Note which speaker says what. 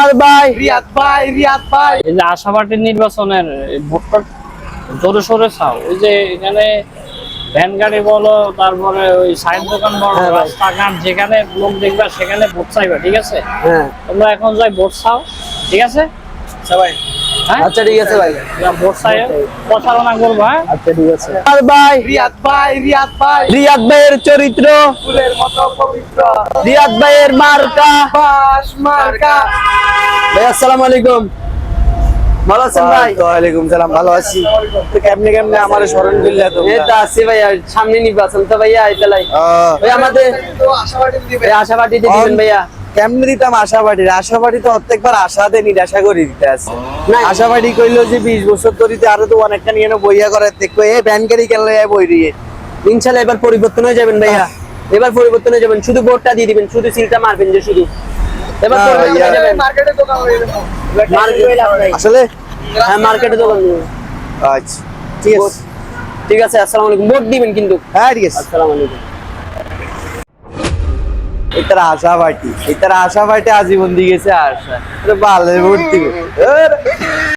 Speaker 1: ভাই
Speaker 2: রিয়াদ ভাই
Speaker 3: এই যে আশাবাড়ির নির্বাচনের ভোটটা জোরে সোরে চাও, ওই যে এখানে ভ্যান গাড়ি বলো, তারপরে ওই সাইড দোকান বলো,
Speaker 1: হ্যাঁ ভাই।
Speaker 3: রাস্তাঘাট যেখানে লোক দেখবা সেখানে ভোট চাইবা, ঠিক আছে?
Speaker 1: হ্যাঁ
Speaker 3: তোমরা এখন যাই ভোট চাও, ঠিক আছে?
Speaker 2: সবাই
Speaker 3: হ্যাঁ,
Speaker 1: আচ্ছা ঠিক আছে ভাই।
Speaker 3: তোমরা ভোট চাই প্রচারণা করবা, হ্যাঁ?
Speaker 1: আচ্ছা ঠিক আছে ভাই।
Speaker 2: রিয়াদ ভাই
Speaker 1: রিয়াদ ভাইয়ের চরিত্র,
Speaker 2: ফুলের মতো পবিত্র
Speaker 1: রিয়াদ ভাইয়ের মার্কা।
Speaker 2: বাস মার্কা।
Speaker 1: ভাই আসসালামু আলাইকুম, ভালো আছেন ভাই?
Speaker 2: ওয়ালাইকুম সালাম, ভালো আছি। তো কেমনে আমারে স্মরণ করলে তো?
Speaker 1: এই তো আছি ভাইয়া, সামনে নির্বাচন তো ভাইয়া, এটালাই ভাই আমাদের
Speaker 2: আশাবাদী দিবে।
Speaker 1: এই আশাবাড়িতে দিবেন ভাইয়া।
Speaker 2: কেমনে দিতাম আশাবাদী তো প্রত্যেকবার আশা দেয় নিরাশা করে দিতে আছে।
Speaker 1: না।
Speaker 2: আশাবাদী কইলো যে 20 বছর ধরে আরো তো অনেকটা নিয়ে বইয়া করে দেখো এ ব্যান গাড়ি কেন বই দিয়ে।
Speaker 1: ইনশাআল্লাহ এবার পরিবর্তন হয়ে যাবেন ভাইয়া, এবার পরিবর্তন হয়ে যাবেন, শুধু ভোটটা দিয়ে দিবেন, শুধু সিলটা মারবেন যে শুধু, এবার
Speaker 2: না,
Speaker 1: পরিবর্তন
Speaker 2: ভাইয়া।
Speaker 1: হয়ে যাবেন।
Speaker 2: মার্কেটে দোকান হয়ে যাবে।
Speaker 1: মার্কেট
Speaker 2: আসলে
Speaker 1: হ্যাঁ, মার্কেটে দোকান দিবেন।
Speaker 2: আচ্ছা ঠিক আছে।
Speaker 1: ঠিক আছে, আসসালামু আলাইকুম। ভোট দিবেন কিন্তু।
Speaker 2: হ্যাঁ ঠিক আছে।
Speaker 1: আসসালামু আলাইকুম।
Speaker 2: এটার আশাবাদী আজীবন দিয়ে গেছে আশা ভালো ভর্তি